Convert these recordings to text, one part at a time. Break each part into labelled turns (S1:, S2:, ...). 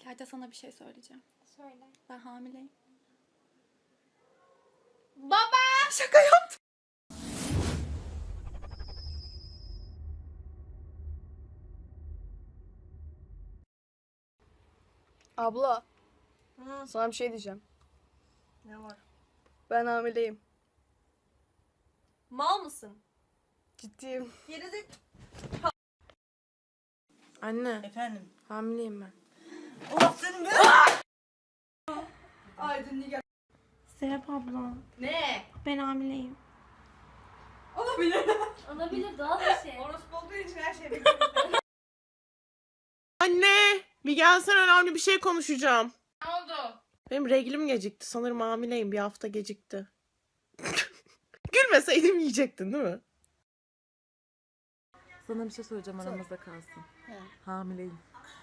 S1: Hadi sana bir şey söyleyeceğim.
S2: Söyle.
S1: Ben hamileyim.
S2: Baba!
S1: Şaka yaptım.
S3: Abla, sana bir şey diyeceğim.
S2: Ne var?
S3: Ben hamileyim.
S2: Mal mısın?
S3: Ciddiyim.
S2: Gerizek...
S3: Anne,
S4: Efendim.
S3: hamileyim ben.
S4: Allah senin be.
S2: Aydın Nigar.
S1: Serap abla.
S2: Ne?
S1: Ben hamileyim.
S2: Olabilir.
S5: Olabilir, doğal bir şey.
S2: Orospu olduğu için her şey bekliyorum.
S6: Anne, bir gelsen önemli bir şey konuşacağım.
S2: Ne oldu?
S6: Benim reglim gecikti. Sanırım hamileyim. Bir hafta gecikti. Gülmeseydim yiyecektin değil mi?
S7: Sana bir şey söyleyeceğim aramızda kalsın. Hamileyim.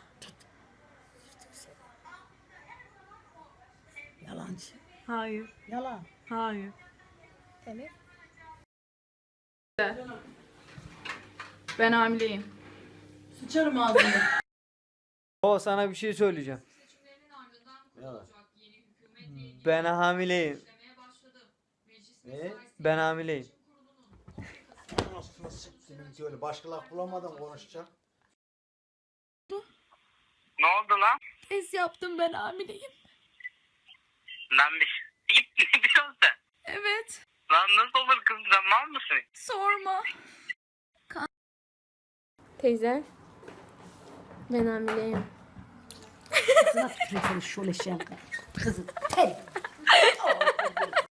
S4: Yalancı.
S7: Hayır.
S4: Yalan.
S7: Hayır.
S3: Ben hamileyim.
S4: Sıçarım ağzını.
S8: O sana bir şey söyleyeceğim.
S4: Yalan.
S8: Ben hamileyim.
S4: Ne?
S8: Ben hamileyim.
S9: Aslında siktimin öyle başka laf bulamadım konuşacak.
S10: Ne oldu lan?
S1: Test yaptım, ben hamileyim.
S10: Lan ne diyorsun sen?
S1: Evet.
S10: Lan nasıl olur kızım, sen mal mısın?
S1: Sorma.
S5: Teyze, ben hamileyim.
S4: Kızına tükürelim şöyle şey. Kızı. Hey.